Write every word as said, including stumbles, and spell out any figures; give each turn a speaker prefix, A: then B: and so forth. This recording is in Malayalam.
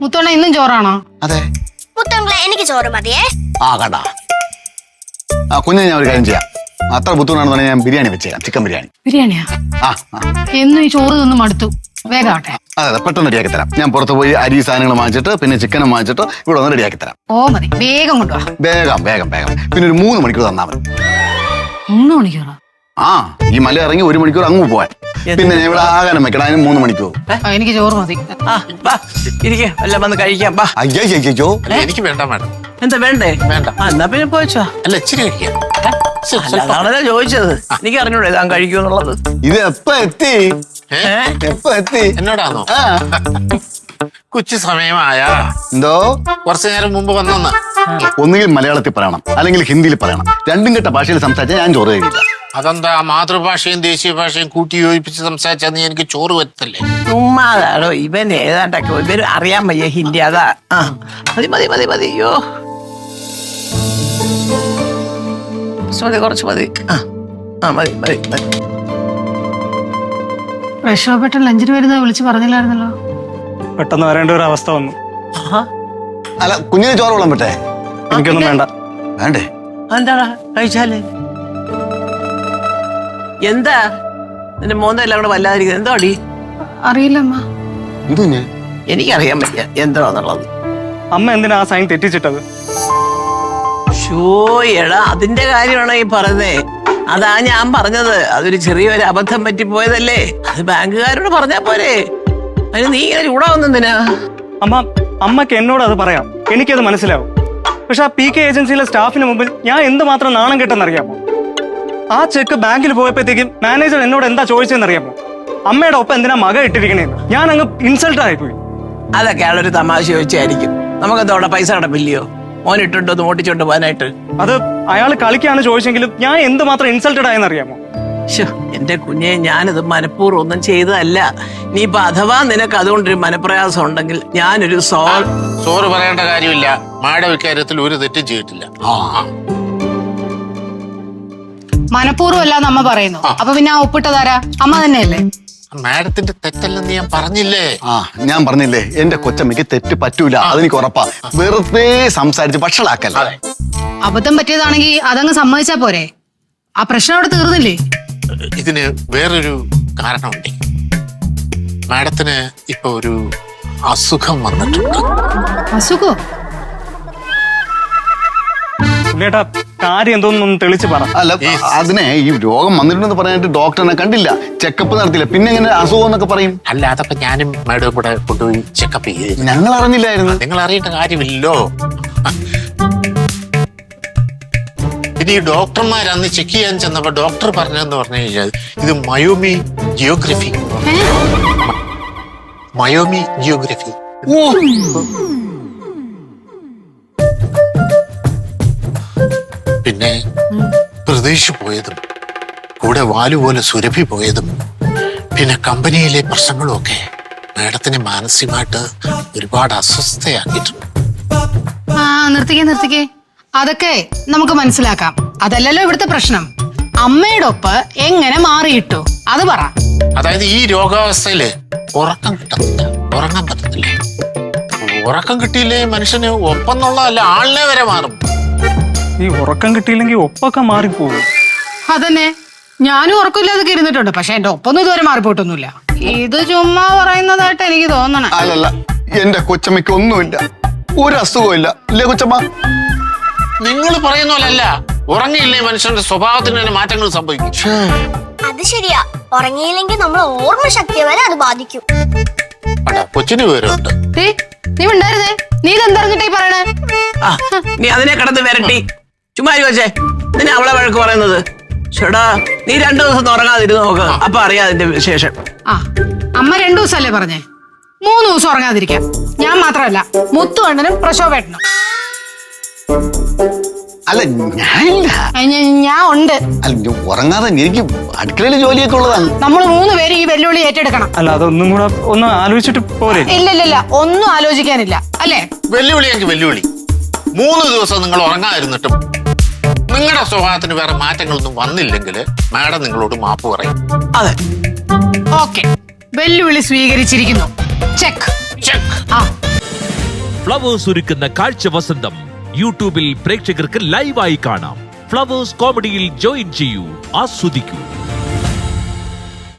A: മുത്തോണ്ണ ഇന്നും ചോറാണോ?
B: അതെ.
C: മുത്തോങ്ങളെ എനിക്ക് ചോറ് മതിയേ.
B: ആ കണ്ടാ ആ കുഞ്ഞിനെ ഞാൻ ഒരു കാര്യം ചെയ്യാം. അത്ര ബുദ്ധിമുട്ടാണെന്ന് ഞാൻ ബിരിയാണി വെച്ചേരാം. ചിക്കൻ ബിരിയാണി.
A: ബിരിയാണിയാ?
B: ആ
A: എന്നും ഈ ചോറ് തിന്ന് മടുത്തു. വേഗാട്ടെ.
B: അതെ അതെ പെട്ടെന്ന് റെഡിയാക്കി തരാം. ഞാൻ പുറത്ത് പോയി അരി സാധനങ്ങൾ വാങ്ങിച്ചിട്ട് പിന്നെ ചിക്കനും വാങ്ങിച്ചിട്ട് ഇവിടെ ഒന്ന് റെഡിയാക്കി തരാം.
A: ഓ മതി, വേഗം കൊണ്ടുപോവാ.
B: വേഗം വേഗം വേഗം. പിന്നെ ഒരു മൂന്ന് മണിക്കൂർ തന്നാ മതി.
A: മൂന്ന് മണിക്കൂറാ?
B: ആ ഈ മല ഇറങ്ങി ഒരു മണിക്കൂർ അങ്ങ് പോവാൻ. പിന്നെ ഞാൻ ഇവിടെ ആകാരം വെക്കണം. അതിന് മൂന്ന് മണിക്കൂർ.
A: എനിക്ക് ചോറ് മതി.
D: എല്ലാം വന്ന് കഴിക്കാം.
B: അയ്യോ അയ്യോ
E: എനിക്ക് വേണ്ട മാഡം.
D: എന്താ വേണ്ടേ?
E: വേണ്ട.
D: എന്നാ പിന്നെ പോയിച്ചോ.
E: അല്ല ഇച്ചിരി കഴിക്കാം.
D: അതാണല്ലോ ചോദിച്ചത്. എനിക്ക് അറിഞ്ഞൂടെ താൻ കഴിക്കുമെന്നുള്ളത്.
B: ഇത് എപ്പ എത്തി? എപ്പ എത്തി?
E: എന്നോടാണോ? കൊച്ചു സമയമായ
B: എന്തോ
E: കുറച്ചു നേരം മുമ്പ് വന്നെന്ന്.
B: ഒന്നുകിൽ മലയാളത്തിൽ പറയണം അല്ലെങ്കിൽ ഹിന്ദിയിൽ പറയണം. രണ്ടും കെട്ട ഭാഷയിൽ സംസാരിച്ചാൽ ഞാൻ ചോറ് കഴിക്കില്ല.
E: അതെന്താ മാതൃഭാഷയും ദേശീയ ഭാഷയും കൂട്ടി യോജിപ്പിച്ച് സംസാരിച്ചാൽ നീ എനിക്ക് ചോറ് വരത്തല്ലേ?
D: ചുമ്മാതാണോ ഇവൻ ഏതാണ്ടൊക്കെ ഇവര് അറിയാൻ വയ്യ ഹിന്ദി. അതാ. ആ മതി മതി മതി മതി. അയ്യോ മതി കുറച്ച് മതി. ആ ആ മതി മതി മതി.
A: പ്രക്ഷോഭപ്പെട്ട ലഞ്ചിന് വരുന്നത് വിളിച്ച് പറഞ്ഞില്ലായിരുന്നല്ലോ?
F: പെട്ടെന്ന് വരേണ്ട ഒരു അവസ്ഥ വന്നു.
B: അല്ല കുഞ്ഞിന് ചോറ് വെള്ളം വിട്ടേ?
F: എനിക്കൊന്നും വേണ്ട.
B: വേണ്ടേ?
D: എന്താടാ കഴിച്ചാലേ? എന്താ നിന്റെ മോന്തെല്ലാം കൂടെ വല്ലാതിരിക്കുന്നത്? എന്തോ അടി?
A: അറിയില്ല അമ്മ.
B: ഇത് ഞാൻ
D: എനിക്കറിയാൻ പറ്റില്ല എന്താന്നുള്ളത്.
F: അമ്മ എന്തിനാ ആ സൈൻ തെറ്റിച്ചിട്ടത്?
D: ഷോ എടാ അതിന്റെ കാര്യമാണോ ഈ പറഞ്ഞേ? അതാ ഞാൻ പറഞ്ഞത്. അതൊരു ചെറിയൊരു അബദ്ധം പറ്റിപ്പോയതല്ലേ. അത് ബാങ്കുകാരോട് പറഞ്ഞാ പോരെ. അതിന് നീ ഇങ്ങനെ ചൂടാവുന്നെന്തിനാ?
F: അമ്മ അമ്മക്ക് എന്നോട് അത് പറയാം, എനിക്കത് മനസ്സിലാവും. പക്ഷെ ആ പി കെ ഏജൻസിയിലെ സ്റ്റാഫിന് മുമ്പിൽ ഞാൻ എന്തുമാത്രം നാണം കെട്ടെന്നറിയാമോ? ആ ചെക്ക് ബാങ്കിൽ പോയപ്പോഴത്തേക്കും മാനേജർ എന്നോട് എന്താ ചോദിച്ചതെന്നറിയാമോ? അമ്മയുടെ ഒപ്പം എന്തിനാ മക ഇട്ടിരിക്കണേന്ന്. ഞാൻ അങ്ങ് ഇൻസൾട്ട് ആയിപ്പോയി.
D: അതൊക്കെ ആളൊരു തമാശ ചോദിച്ചായിരിക്കും. നമുക്കെന്താ അവിടെ പൈസ കടപ്പില്ലയോ മോൻ ഇട്ടുണ്ടോ ഒന്ന് ഓട്ടിച്ചോണ്ട് പോകാനായിട്ട്?
F: അത് അയാൾ കളിക്കാണ് ചോദിച്ചെങ്കിലും ഞാൻ എന്തുമാത്രം ഇൻസൾട്ടഡ് ആയെന്നറിയാമോ?
D: എന്റെ കുഞ്ഞെ ഞാനിത് മനഃപൂർവ്വം ഒന്നും ചെയ്തതല്ല. നീ ഇപ്പൊ അഥവാ നിനക്ക് അതുകൊണ്ടൊരു മനപ്രയാസം ഉണ്ടെങ്കിൽ ഞാനൊരു സോ
E: ചോറ് പറയേണ്ട കാര്യമില്ല. മാഡം ഇക്കാര്യത്തിൽ ഒരു തെറ്റും ചെയ്തിട്ടില്ല.
A: മനഃപൂർവ്വം അല്ലാന്ന് അമ്മ പറയുന്നു. അപ്പൊ പിന്നെ ആ ഒപ്പിട്ടതാരാ? അമ്മ തന്നെയല്ലേ?
E: മാഡത്തിന്റെ തെറ്റല്ലെന്ന് ഞാൻ പറഞ്ഞില്ലേ?
B: ആ ഞാൻ പറഞ്ഞില്ലേ എന്റെ കൊച്ചമ്മയ്ക്ക് തെറ്റ് പറ്റൂല. അതെനിക്ക് ഉറപ്പാ. വെറുതെ സംസാരിച്ച് വഷളാക്കല്ല.
A: അബദ്ധം പറ്റിയതാണെങ്കിൽ അതങ്ങ് സമ്മതിച്ചാ പോരെ? ആ പ്രശ്നം അവിടെ തീർന്നില്ലേ?
E: ഇതിന് വേറൊരു കാരണമുണ്ട്. മാഡത്തിന് ഇപ്പൊ ഒരു അസുഖം വന്നിട്ടുണ്ട്.
A: അസുഖോ?
F: ചേട്ടാ കാര്യം എന്തോന്നൊന്ന് തെളിച്ച് പറ.
B: അല്ല അതിനെ ഈ രോഗം വന്നിട്ടുണ്ടെന്ന് പറയാനായിട്ട് ഡോക്ടറിനെ കണ്ടില്ല, ചെക്കപ്പ് നടത്തില്ല, പിന്നെ എങ്ങനെ അസുഖം എന്നൊക്കെ പറയും?
E: അല്ല അതൊക്കെ ഞാനും മാഡവും കൂടെ കൊണ്ടുപോയി ചെക്കപ്പ് ചെയ്ത്.
B: ഞങ്ങൾ അറിഞ്ഞില്ലായിരുന്നു.
E: നിങ്ങൾ അറിയേണ്ട കാര്യമില്ലല്ലോ. ഇനി ഈ ഡോക്ടർമാർ അന്ന് ചെക്ക് ചെയ്യാൻ ചെന്നപ്പോ ഡോക്ടർ പറഞ്ഞതെന്ന് പറഞ്ഞു കഴിഞ്ഞാൽ ഇത് മയോമി ജിയോഗ്രഫി. മയോമി ജിയോഗ്രഫി. പിന്നെ പ്രതീക്ഷ പോയതും കൂടെ വാലുപോലെ സുരഭി പോയതും പിന്നെ കമ്പനിയിലെ പ്രശ്നങ്ങളും ഒക്കെ മാഡത്തിനെ മാനസികമായിട്ട് ഒരുപാട് അസ്വസ്ഥയാക്കിയിട്ടുണ്ട്.
A: ആ നിർത്തിക്കേ നിർത്തിക്കേ. അതൊക്കെ നമുക്ക് മനസ്സിലാക്കാം. അതല്ലല്ലോ ഇവിടുത്തെ പ്രശ്നം. അമ്മയുടെ ഒപ്പ് എങ്ങനെ മാറിയിട്ടു അത് പറ.
E: അതായത് ഈ രോഗാവസ്ഥയില് ഉറക്കം കിട്ടുന്നില്ല, ഉറങ്ങാൻ പറ്റത്തില്ല. ഉറക്കം കിട്ടിയില്ലേ മനുഷ്യന് ഒപ്പം എന്നുള്ളതല്ല ആളിനെ വരെ മാറും.
F: ഈ ഉറക്കം കിട്ടിയില്ലെങ്കിൽ ഒപ്പൊക്കെ മാറിപ്പോകും.
A: അതന്നെ ഞാനും ഉറക്കമില്ലാതെ ഇരുന്നിട്ടുണ്ട്. പക്ഷെ എന്റെ ഒപ്പൊന്നും ഇതുവരെ മാറിപ്പോയിട്ടൊന്നുമില്ല. ഇത് ചുമ്മാ പറയുന്നതായിട്ട് എനിക്ക് തോന്നണം.
B: അല്ലല്ല എന്റെ കൊച്ചമ്മയ്ക്ക് ഒന്നുമില്ല, ഒരു അസുഖവും ഇല്ല. ഇല്ലേ കൊച്ചമ്മ?
E: നിങ്ങൾ പറയുന്ന പോലല്ല. ഉറങ്ങിയില്ലേ മനുഷ്യന്റെ സ്വഭാവത്തിന് തന്നെ മാറ്റങ്ങൾ സംഭവിക്കും.
C: അത് ശരിയാ. ഉറങ്ങിയില്ലെങ്കിൽ നമ്മൾ ഓർമ്മശക്തിയെ വരെ അത് ബാധിക്കും.
E: കൊച്ചിന് വിവരമുണ്ട്.
A: നീ ഉണ്ടായിരുന്നേ. നീ ഇതെന്തറിഞ്ഞിട്ടേ പറയണേ?
D: നീ അതിനെ കിടന്ന് വരട്ടി ചുമ്മാ ചോദിച്ചേ. നിന്നെ അവളെ വഴക്ക് പറയുന്നത്? ചേടാ നീ രണ്ടു ദിവസം ഉറങ്ങാതിരുന്ന് നോക്ക്, അപ്പൊ അറിയാം അതിന്റെ വിശേഷം.
A: ആ അമ്മ രണ്ടു ദിവസമല്ലേ പറഞ്ഞേ? മൂന്ന് ദിവസം ഉറങ്ങാതിരിക്കാം. ഞാൻ മാത്രമല്ല മുത്തു അണ്ണനും പ്രശോഭേട്ടനും.
B: അല്ല ഞാനില്ല.
A: ഞാൻ ഉണ്ട്.
B: അല്ല ഉറങ്ങാതെ എനിക്ക് അടുക്കളയിൽ ജോലിയൊക്കെ ഉള്ളതാണ്.
A: നമ്മൾ മൂന്ന് പേര് ഈ വെല്ലുവിളി ഏറ്റെടുക്കണം.
F: അല്ല അതൊന്നും കൂടെ ഒന്ന് ആലോചിച്ചിട്ട് പോരെ?
A: ഇല്ല ഇല്ല ഇല്ല ഒന്നും ആലോചിക്കാനില്ല അല്ലേ?
E: വെല്ലുവിളി എങ്കിൽ വെല്ലുവിളി. മൂന്ന് ദിവസം നിങ്ങൾ ഉറങ്ങാതിരുന്നിട്ടും നിങ്ങളുടെ സ്വഭാവത്തിന് വേറെ മാറ്റങ്ങളൊന്നും വന്നില്ലെങ്കിൽ മാഡം നിങ്ങളോട് മാപ്പ് പറയും.
D: അതെ
A: ഓക്കെ. വെല്ലുവിളി സ്വീകരിച്ചിരിക്കുന്നു. Check
E: check.
A: ആ
G: ഫ്ലവേഴ്സ് ഒരുക്കുന്ന കാഴ്ച വസന്തം യൂട്യൂബിൽ പ്രേക്ഷകർക്ക് ലൈവായി കാണാം. ഫ്ലവേഴ്സ് കോമഡിയിൽ ജോയിൻ ചെയ്യൂ, ആസ്വദിക്കൂ.